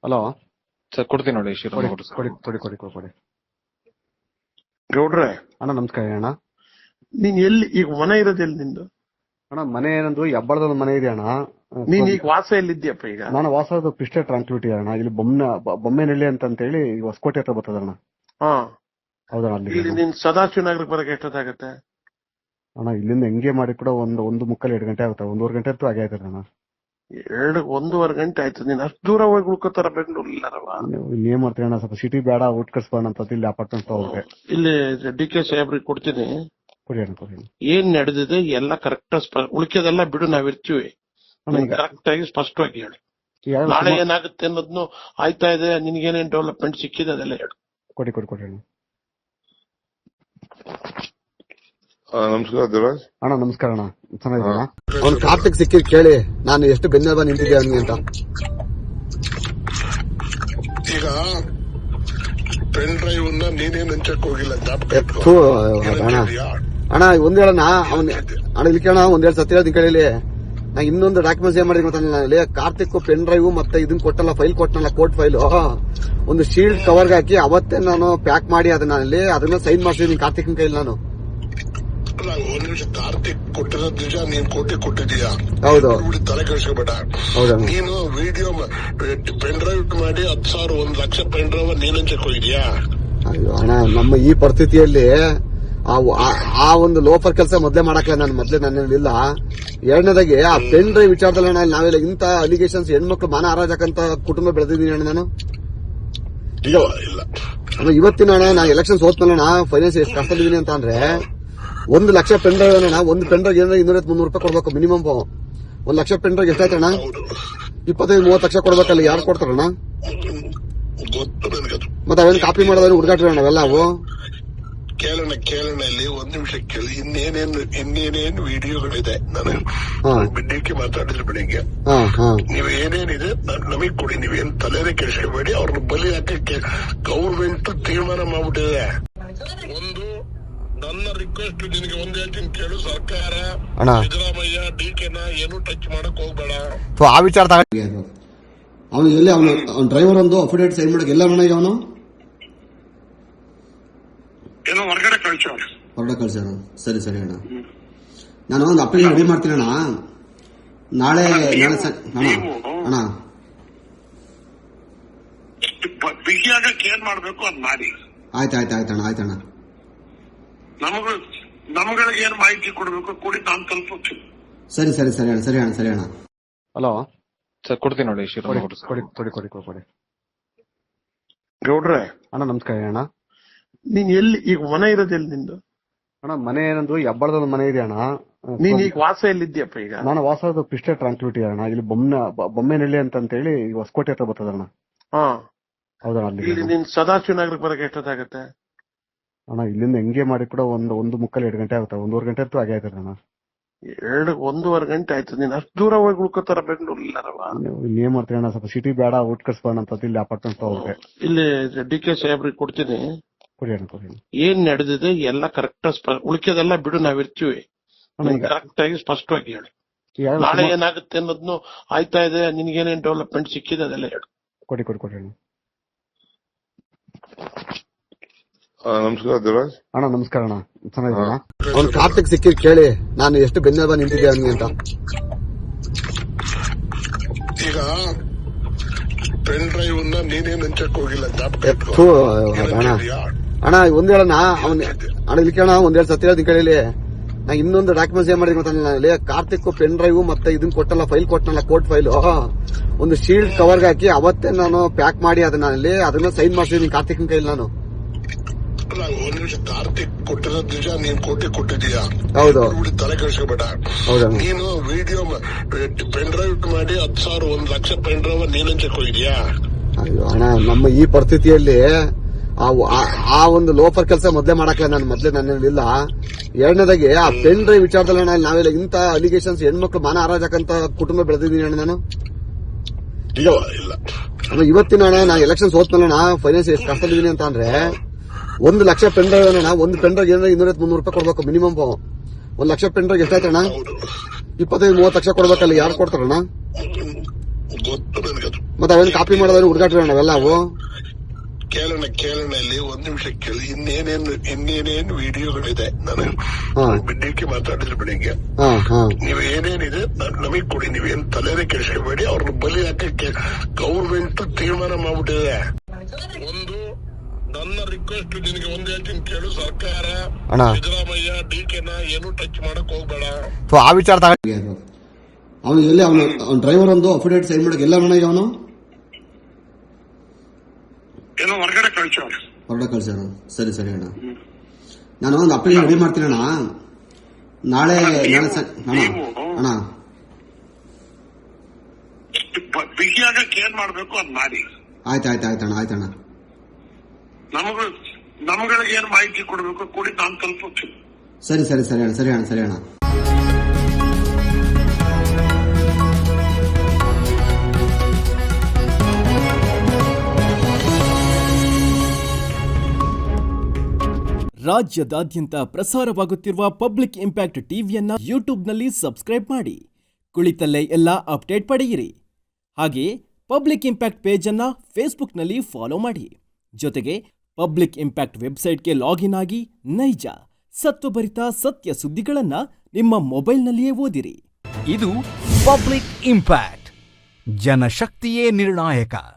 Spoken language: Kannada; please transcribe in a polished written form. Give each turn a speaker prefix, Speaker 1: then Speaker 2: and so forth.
Speaker 1: ಹಲೋ
Speaker 2: ಸರ್ ಕೊಡ್ತೀನಿ ನೋಡಿ
Speaker 1: ಕೊಡಿ.
Speaker 3: ಗೌಡ್ರೆ
Speaker 1: ಅಣ್ಣ ನಮಸ್ಕಾರ ಅಣ್ಣ.
Speaker 3: ನೀನ್ ಎಲ್ಲಿ ಈಗ ಮನೆ ಇರೋದು ಎಲ್ಲಿ ನಿಂದು?
Speaker 1: ಅಣ್ಣ ಮನೆ ಏನಂದ್ರು ಹೆಬ್ಬಳದ ಮನೆ ಇದೆ ಅಣ್ಣ.
Speaker 3: ನೀನ್ ಈಗ ವಾಸ ಎಲ್ಲಿದ್ಯಪ್ಪ ಈಗ?
Speaker 1: ನಾನು ವಾಸದ ಪಿಸ್ಟೆ ಟ್ರಾನ್ಸ್ಪಿಟಿ ಅಣ್ಣ. ಇಲ್ಲಿ ಬೊಮ್ಮೆನಹಳ್ಳಿ ಅಂತ ಹೇಳಿ ಹೊಸಕೋಟೆ ಹತ್ರ ಬರ್ತದ ಅಣ್ಣ.
Speaker 3: ಹಾ
Speaker 1: ಹೌದಣ್ಣ.
Speaker 3: ಇಲ್ಲಿ
Speaker 1: ಅಲ್ಲಿ
Speaker 3: ನೀನ್ ಸದಾಶಿವ ನಗರಕ್ಕೆ ಬರಕ್ಕೆ ಎಷ್ಟೊತ್ತಾಗತ್ತೆ?
Speaker 1: ಅಣ್ಣ ಇಲ್ಲಿಂದ ಹೆಂಗೆ ಮಾಡಿ ಕೂಡ ಒಂದು ಮುಕ್ಕಲ್ 2 ಗಂಟೆ ಆಗುತ್ತೆ. 1.5 ಗಂಟೆ ಅಂತೂ ಆಗೇ ಆಯ್ತದೆ ಅಣ್ಣ.
Speaker 3: 1.5 ಗಂಟೆ ಆಯ್ತು. ನೀನ್ ಅಷ್ಟು ದೂರ ಹೋಗಿ ಉಳ್ಕೋತಾರ ಬೆಂಗಳೂರಿಲ್ಲಾರವ?
Speaker 1: ಏನ್ ಮಾಡ್ತೀವಿ ಅಣ್ಣ, ಸ್ವಲ್ಪ ಸಿಟಿ ಬೇಡ, ಔಟ್ ಕಟ್ಸ್ಬೋಣ ಅಂತ ಇಲ್ಲಿ ಅಪಾರ್ಟ್ಮೆಂಟ್ ಹೋಗ್ರೆ.
Speaker 3: ಇಲ್ಲಿ DK ಸಾಹೇಬ್ರಿಗೆ ಕೊಡ್ತೀನಿ.
Speaker 1: ಕೊಡಿ.
Speaker 3: ಏನ್ ನಡೆದಿದೆ ಎಲ್ಲ ಕರೆಕ್ಟ್, ಉಳಿಕೆದೆಲ್ಲ ಬಿಡು, ನಾವಿರ್ತೀವಿ. ಕರೆಕ್ಟ್ ಆಗಿ ಸ್ಪಷ್ಟವಾಗಿ ಹೇಳಿ. ನಾಳೆ ಏನಾಗುತ್ತೆ ಅನ್ನೋದ್ನು ಆಯ್ತಾ ಇದೆ, ನಿನ್ಗೇನೇನ್ ಡೆವಲಪ್ಮೆಂಟ್ ಸಿಕ್ಕಿದೆ ಅದೆಲ್ಲ ಹೇಳು.
Speaker 1: ಕೊಡಿ ಅಣ್ಣ.
Speaker 4: ನಮಸ್ಕಾರ ದೇವರಾಜ್
Speaker 1: ಅಣ್ಣ. ನಮಸ್ಕಾರ ಅಣ್ಣ. ಚೆನ್ನಾಗಿದ್ದೀರಾ?
Speaker 5: ಅವ್ನು ಕಾರ್ತಿಕ್ ಸಿಕ್ಕಿದ್ ಕೇಳಿ ನಾನು ಎಷ್ಟು ಬೆನ್ನೆಲುಬ ನಿಂತಿದ್ದೆ ಅವನಿಗೆ ಅಂತ.
Speaker 4: ಈಗ ಪೆನ್ ಡ್ರೈವ್ ನೀನೇನ್ ಹಂಚಕ್ ಹೋಗಿಲ್ಲ.
Speaker 5: ಅಣ್ಣ ಒಂದ್ ಹೇಳಣ್ಣ, ಅಣ್ಣ ಇಲ್ಲಿ ಕೇಳೋಣ, ಒಂದ್ ಹೇಳಿ ಸತ್ಯ ಹೇಳ್ತೀನಿ ಕೇಳಿ. ನಾ ಇನ್ನೊಂದು ಡಾಕ್ಯುಮೆಂಟ್ಸ್ ಏನ್ ಮಾಡಿದ್ವಿ ಗೊತ್ತಾಗಲಿ, ಕಾರ್ತಿಕ್ ಪೆನ್ ಡ್ರೈವ್ ಮತ್ತೆ ಇದನ್ನ ಕೊಟ್ಟಲ್ಲ, ಫೈಲ್ ಕೊಟ್ಟನಲ್ಲ, ಕೋರ್ಟ್ ಫೈಲ್, ಒಂದು ಶೀಲ್ಡ್ ಕವರ್ಗೆ ಹಾಕಿ ಅವತ್ತೇ ನಾನು ಪ್ಯಾಕ್ ಮಾಡಿ ಅದನ್ನ ಸೈನ್ ಮಾಡಿಸಿದೀನಿ ಕಾರ್ತಿಕ್ನ ಕೈಲಿ ನಾನು.
Speaker 4: ಒಂದ್ ನಿಮಿಷ, ಕಾರ್ತಿಕ್ ಕೊಟ್ಟಿರೋದ್ ನಿಜ, ನೀನ್ ಕೊಟ್ಟಿದೀಯಾ?
Speaker 5: ಹೌದು.
Speaker 4: ತಲೆ ಕೆಡಿಸ್ಕೋಬೇಡ.
Speaker 5: ಹೌದಾ?
Speaker 4: ನೀನು ವಿಡಿಯೋ ಪೆನ್ ಡ್ರೈವ್ ಮಾಡಿ 10,000 1 ಲಕ್ಷ ಪೆನ್ ಡ್ರೈವ್ ನೀನ್ ಹಂಚಕ್ ಹೋಗಿದ್ಯಾ?
Speaker 5: ಅಯ್ಯೋ ಅಣ್ಣ, ನಮ್ಮ ಈ ಪರಿಸ್ಥಿತಿಯಲ್ಲಿ ಆ ಒಂದು ಲೋಫರ್ ಕೆಲಸ ಮೊದ್ಲೇ ಮಾಡಕ್ಲ ನಾನು. ನನ್ನಿಲ್ಲ. ಎರಡನೇದಾಗಿ ಆ ಪೆನ್ ಡ್ರೈವ್ ವಿಚಾರದಲ್ಲಿ ನಾವೆಲ್ಲ ಇಂತ ಅಲಿಗೇಷನ್ಸ್, ಹೆಣ್ಮಕ್ಳು ಮಾನ ಹಾರಾಜಕ್ಕಂತ ಕುಟುಂಬ ಬೆಳೆದಿದ್ದೀನಿ ಅಣ್ಣ ನಾನು.
Speaker 4: ಇಲ್ಲ
Speaker 5: ಇವತ್ತಿನ ಅಣ್ಣ, ನಾ ಎಲೆಕ್ಷನ್ ಸೋತ್ಮೇಲೆ ಫೈನಾನ್ಸ್ ಎಷ್ಟು ಕಷ್ಟದಿದ್ದೀನಿ ಅಂತ ಅಂದ್ರೆ, 1 ಲಕ್ಷ ಪೆನ್ ಡ್ರೈವ್ ಅಣ್ಣ. ಒಂದು ಪೆನ್ ಡ್ರೈವ್ ಏನಾದ್ರೆ 200-300 ರೂಪಾಯಿ ಕೊಡ್ಬೇಕು ಮಿನಿಮಮ್. 1 ಲಕ್ಷ ಪೆನ್ ಡ್ರೈವ್ ಎಷ್ಟಾಯ್ತಣ್ಣ? 25-30 ಲಕ್ಷ ಕೊಡ್ಬೇಕಲ್ಲ, ಯಾರು ಕೊಡ್ತಾರಣ್ಣ? ಮತ್ತೆ ಅವೇನು ಕಾಪಿ ಮಾಡೋದ್ರೆ ಹುಡುಗಾಟ ನಾವೆಲ್ಲ ಅವು.
Speaker 4: ಕೇಳೋಣ ಇಲ್ಲಿ ಒಂದ್ ನಿಮಿಷ ಕೇಳಿ. ಇನ್ನೇನೇನು ವಿಡಿಯೋಗಳಿದೆ, ನಾನು ಬಿಡ್ಡಿಕ್ಕೆ ಮಾತಾಡಿದ್ರೆ ಬೆಳಿಗ್ಗೆ. ನೀವ್ ಏನೇನಿದೆ ನಮಗ್ ಕೊಡಿ, ನೀವೇನ್ ತಲೆನೇ ಕೆಡಿಸ್ಕೋಬೇಡಿ. ಅವ್ರನ್ನ ಬಲಿ ಹಾಕಕ್ಕೆ ಗೌರ್ಮೆಂಟ್ ತೀರ್ಮಾನ ಮಾಡ್ಬಿಟ್ಟಿದೆ. ಒಂದು ನನ್ನ ರಿಕ್ವೆಸ್ಟ್ ನಿನಗೆ ಒಂದ್ ಹೇಳ್ತೀನಿ ಕೇಳು, ಸರ್ಕಾರ ಸಿದ್ದರಾಮಯ್ಯ DKನ ಏನು ಟಚ್ ಮಾಡಕ್ ಹೋಗ್ಬೇಡ.
Speaker 5: ಆ ವಿಚಾರ ಅವನು ಎಲ್ಲಿ, ಅವನ ಡ್ರೈವರ್ ಒಂದು ಅಫಿಡೇಟ್ ಸೈನ್ ಮಾಡಕ್ ಎಲ್ಲ ಮನೆಗೆ ಅವನು
Speaker 4: ಏನೋ ಹೊರಗಡೆ
Speaker 5: ಕಳ್ಸ್ಯಾರ. ಸರಿ ಅಣ್ಣ, ನಾನು ಒಂದು ಅಪ್ಲಿಕೇಶನ್ ರೆಡಿ ಮಾಡ್ತೀನಿ ಅಣ್ಣ. ನಾಳೆ ಅಣ್ಣ
Speaker 4: ಬಿಗಿಯಾಗಕ್ಕೆ ಏನ್ ಮಾಡ್ಬೇಕು ಅದ್ ಮಾಡಿ.
Speaker 5: ಆಯ್ತಣ್ಣ.
Speaker 4: ನಮ್ಗಳಿಗೆ ಏನ್ ಮಾಹಿತಿ ಕೊಡ್ಬೇಕು ಕೊಡಿ, ನಾನು ತಲುಪುತ್ತೀನಿ.
Speaker 5: ಸರಿ ಅಣ್ಣ.
Speaker 1: ಹಲೋ
Speaker 2: ಸರ್ ಕೊಡ್ತೀನಿ ನೋಡಿ
Speaker 1: ಕೊಡಿ.
Speaker 3: ಗೌಡ್ರೆ
Speaker 1: ಅಣ್ಣ ನಮಸ್ಕಾರ ಅಣ್ಣ.
Speaker 3: ನೀನ್ ಎಲ್ಲಿ ಈಗ ಮನೆ ಇರೋದು ಎಲ್ಲಿ ನಿಂದು?
Speaker 1: ಅಣ್ಣ ಮನೆ ಏನಂದ್ರು ಹೆಬ್ಬಳದ ಮನೆ ಇದೆ ಅಣ್ಣ.
Speaker 3: ನೀನ್ ಈಗ ವಾಸ ಎಲ್ಲಿದ್ಯಪ್ಪ ಈಗ?
Speaker 1: ನಾನು ವಾಸದ ಪಿಸ್ಟೆ ಟ್ರಾನ್ಸ್ಪಿಟಿ ಅಣ್ಣ. ಇಲ್ಲಿ ಬೊಮ್ಮೆನಹಳ್ಳಿ ಅಂತ ಹೇಳಿ ಹೊಸಕೋಟೆ ಹತ್ರ ಬರ್ತದ ಅಣ್ಣ.
Speaker 3: ಹಾ
Speaker 1: ಹೌದಣ್ಣ.
Speaker 3: ಇಲ್ಲಿ ನೀನ್ ಸದಾಶಿವ ನಗರಕ್ಕೆ ಬರಕ್ಕೆ ಎಷ್ಟೊತ್ತಾಗತ್ತೆ?
Speaker 1: ಅಣ್ಣ ಇಲ್ಲಿಂದ ಹೆಂಗೆ ಮಾಡಿ ಕೂಡ ಒಂದು ಮುಕ್ಕಲ್ 2 ಗಂಟೆ ಆಗುತ್ತೆ. 1.5 ಗಂಟೆ ಅಂತೂ ಆಗೇ ಆಯ್ತದೆ ಅಣ್ಣ.
Speaker 3: 1.5 ಗಂಟೆ ಆಯ್ತು. ನೀನ್ ಅಷ್ಟು ದೂರ ಹೋಗಿ ಉಳ್ಕೋತಾರ ಬೆಂಗಳೂರಿಲ್ಲಾರವ?
Speaker 1: ಏನ್ ಮಾಡ್ತೀವಿ ಅಣ್ಣ, ಸ್ವಲ್ಪ ಸಿಟಿ ಬೇಡ, ಔಟ್ ಕಟ್ಸ್ಬೋಣ ಅಂತ ಇಲ್ಲಿ ಅಪಾರ್ಟ್ಮೆಂಟ್ ಹೋಗ್ರೆ.
Speaker 3: ಇಲ್ಲಿ DK ಸಾಹೇಬ್ರಿಗೆ ಕೊಡ್ತೀನಿ.
Speaker 1: ಕೊಡಿ.
Speaker 3: ಏನ್ ನಡೆದಿದೆ ಎಲ್ಲ ಕರೆಕ್ಟ್, ಉಳಿಕೆದೆಲ್ಲ ಬಿಡು, ನಾವಿರ್ತೀವಿ. ಕರೆಕ್ಟ್ ಆಗಿ ಸ್ಪಷ್ಟವಾಗಿ ಹೇಳಿ. ನಾಳೆ ಏನಾಗುತ್ತೆ ಅನ್ನೋದ್ನು ಆಯ್ತಾ ಇದೆ, ನಿನ್ಗೇನೇನ್ ಡೆವಲಪ್ಮೆಂಟ್ ಸಿಕ್ಕಿದೆ ಅದೆಲ್ಲ ಹೇಳು.
Speaker 1: ಕೊಡಿ.
Speaker 4: ನಮಸ್ಕಾರ ದೇವರಾಜ್
Speaker 1: ಅಣ್ಣ. ನಮಸ್ಕಾರ ಅಣ್ಣ. ಚೆನ್ನಾಗಿದ್ದೀರಾ?
Speaker 5: ಅವ್ನು ಕಾರ್ತಿಕ್ ಸಿಕ್ಕಿದ್ ಕೇಳಿ ನಾನು ಎಷ್ಟು ಬೆನ್ನೆಲುಬ ನಿಂತಿದ್ದೆ ಅವನಿಗೆ ಅಂತ.
Speaker 4: ಈಗ ಪೆನ್ ಡ್ರೈವ್ ನೀನೇನ್ ಹಂಚಕ್ ಹೋಗಿಲ್ಲ.
Speaker 5: ಅಣ್ಣ ಒಂದ್ ಹೇಳಣ್ಣ, ಅಣ್ಣ ಇಲ್ಲಿ ಕೇಳೋಣ, ಒಂದ್ ಹೇಳಿ ಸತ್ಯ ಹೇಳ್ತೀನಿ ಕೇಳಿ. ನಾ ಇನ್ನೊಂದು ಡಾಕ್ಯುಮೆಂಟ್ಸ್ ಏನ್ ಮಾಡಿದ್ವಿ ಗೊತ್ತಾಗಲಿ, ಕಾರ್ತಿಕ್ ಪೆನ್ ಡ್ರೈವ್ ಮತ್ತೆ ಇದನ್ನ ಕೊಟ್ಟಲ್ಲ, ಫೈಲ್ ಕೊಟ್ಟನಲ್ಲ, ಕೋರ್ಟ್ ಫೈಲ್, ಒಂದು ಶೀಲ್ಡ್ ಕವರ್ಗೆ ಹಾಕಿ ಅವತ್ತೇ ನಾನು ಪ್ಯಾಕ್ ಮಾಡಿ ಅದನ್ನ ಸೈನ್ ಮಾಡಿಸಿದೀನಿ ಕಾರ್ತಿಕ್ನ ಕೈಲಿ ನಾನು.
Speaker 4: ಒಂದ್ ನಿಮಿಷ, ಕಾರ್ತಿಕ್ ಕೊಟ್ಟಿರೋದ್ ನಿಜ, ನೀನ್ ಕೊಟ್ಟಿದೀಯಾ?
Speaker 5: ಹೌದು.
Speaker 4: ತಲೆ ಕೆಡಿಸ್ಕೋಬೇಡ. ನೀನು ವಿಡಿಯೋ ಪೆನ್ ಡ್ರೈವ್ ಮಾಡಿ 10,000 1 ಲಕ್ಷ ಪೆನ್ ಡ್ರೈವ್ ನೀನ್ ಹಂಚಕ್ ಹೋಗಿದ್ಯಾ?
Speaker 5: ಅಯ್ಯೋ ಅಣ್ಣ, ನಮ್ಮ ಈ ಪರಿಸ್ಥಿತಿಯಲ್ಲಿ ಆ ಒಂದು ಲೋಫರ್ ಕೆಲಸ ಮೊದ್ಲೇ ಮಾಡಕ್ಲ ನಾನು. ನನ್ನಿಲ್ಲ. ಎರಡನೇದಾಗಿ ಆ ಪೆನ್ ಡ್ರೈವ್ ವಿಚಾರದಲ್ಲಿ ನಾವೆಲ್ಲ ಇಂತ ಅಲಿಗೇಷನ್ಸ್, ಹೆಣ್ಮಕ್ಳು ಮಾನ ಹಾರಾಜಕ್ಕಂತ ಕುಟುಂಬ ಬೆಳೆದಿದ್ದೀನಿ ಅಣ್ಣ ನಾನು.
Speaker 4: ಇಲ್ಲ
Speaker 5: ಇವತ್ತಿನ ಅಣ್ಣ, ನಾ ಎಲೆಕ್ಷನ್ ಸೋತ್ಮೇಲೆ ಫೈನಾನ್ಸ್ ಎಷ್ಟು ಕಷ್ಟದಿದ್ದೀನಿ ಅಂತ ಅಂದ್ರೆ, 1 ಲಕ್ಷ ಪೆನ್ ಡ್ರೈವ್ ಅಣ್ಣ. ಒಂದು ಪೆನ್ ಡ್ರೈವ್ ಏನಾದ್ರೆ 200-300 ರೂಪಾಯಿ ಕೊಡ್ಬೇಕು ಮಿನಿಮಮ್. 1 ಲಕ್ಷ ಪೆನ್ ಡ್ರೈವ್ ಎಷ್ಟಾಯ್ತಣ್ಣ? 25-30 ಲಕ್ಷ ಕೊಡ್ಬೇಕಲ್ಲ, ಯಾರು ಕೊಡ್ತಾರಣ್ಣ? ಮತ್ತೆ ಅವೇನು ಕಾಪಿ ಮಾಡೋದ್ರೆ ಹುಡುಗಾಟ ನಾವೆಲ್ಲ ಅವು
Speaker 4: ಕೇಳೋಣ ಇಲ್ಲಿ ಒಂದ್ ನಿಮಿಷ ಕೇಳಿ. ಇನ್ನೇನೇನು ವಿಡಿಯೋಗಳಿದೆ. ನಾನು ಬಿಡ್ಡಿಕ್ಕೆ ಮಾತಾಡಿದ್ರೆ ಬೆಳಿಗ್ಗೆ ನೀವ್ ಏನೇನಿದೆ ನಮಗ್ ಕೊಡಿ. ನೀವೇನ್ ತಲೆನೇ ಕೆಡಿಸ್ಕೋಬೇಡಿ. ಅವ್ರನ್ನ ಬಲಿ ಹಾಕಕ್ಕೆ ಗೌರ್ಮೆಂಟ್ ತೀರ್ಮಾನ ಮಾಡ್ಬಿಟ್ಟಿದೆ. ಒಂದು ನನ್ನ ರಿಕ್ವೆಸ್ಟ್ ನಿನಗೆ ಒಂದ್ ಹೇಳ್ತೀನಿ ಕೇಳು. ಸರ್ಕಾರ ಸಿದ್ದರಾಮಯ್ಯ ಡಿಕೆನ ಏನು ಟಚ್ ಮಾಡಕ್ ಹೋಗ್ಬೇಡ.
Speaker 5: ಆ ವಿಚಾರ ಅವನು ಎಲ್ಲಿ ಅವನು ಡ್ರೈವರ್ ಒಂದು ಅಫಿಡೇಟ್ ಸೈನ್ ಮಾಡಕ್ ಎಲ್ಲ ಮನೆಗೆ ಅವನು
Speaker 4: ಏನೋ ಹೊರಗಡೆ
Speaker 5: ಕಳ್ಸ್ಯಾರ. ಸರಿ ಅಣ್ಣ, ನಾನು ಒಂದು ಅಪ್ಲಿಕೇಶನ್ ರೆಡಿ ಮಾಡ್ತೀನಿ ಅಣ್ಣ. ನಾಳೆ ಅಣ್ಣ
Speaker 4: ಬಿಗಿಯಾಗಕ್ಕೆ ಏನ್ ಮಾಡ್ಬೇಕು ಅದ್ ಮಾಡಿ.
Speaker 5: ಆಯ್ತಣ್ಣ.
Speaker 4: ನಮ್ಗಳಿಗೆ ಏನ್ ಮಾಹಿತಿ ಕೊಡ್ಬೇಕು ಕೊಡಿ, ನಾನು ತಲುಪುತ್ತೀನಿ.
Speaker 5: ಸರಿ ಅಣ್ಣ.
Speaker 6: ರಾಜ್ಯದಾದ್ಯಂತ ಪ್ರಸಾರವಾಗುತ್ತಿರುವ ಪಬ್ಲಿಕ್ ಇಂಪ್ಯಾಕ್ಟ್ ಟಿವಿಯನ್ನ ಯೂಟ್ಯೂಬ್ನಲ್ಲಿ ಸಬ್ಸ್ಕ್ರೈಬ್ ಮಾಡಿ, ಕುಳಿತಲ್ಲೇ ಎಲ್ಲ ಅಪ್ಡೇಟ್ ಪಡೆಯಿರಿ. ಹಾಗೆಯೇ ಪಬ್ಲಿಕ್ ಇಂಪ್ಯಾಕ್ಟ್ ಪೇಜನ್ನು ಫೇಸ್ಬುಕ್ನಲ್ಲಿ ಫಾಲೋ ಮಾಡಿ. ಜೊತೆಗೆ ಪಬ್ಲಿಕ್ ಇಂಪ್ಯಾಕ್ಟ್ ವೆಬ್ಸೈಟ್ಗೆ ಲಾಗಿನ್ ಆಗಿ ನೈಜ ಸತ್ವಭರಿತ ಸತ್ಯ ಸುದ್ದಿಗಳನ್ನು ನಿಮ್ಮ ಮೊಬೈಲ್ನಲ್ಲಿಯೇ ಓದಿರಿ.
Speaker 7: ಇದು ಪಬ್ಲಿಕ್ ಇಂಪ್ಯಾಕ್ಟ್, ಜನಶಕ್ತಿಯೇ ನಿರ್ಣಾಯಕ.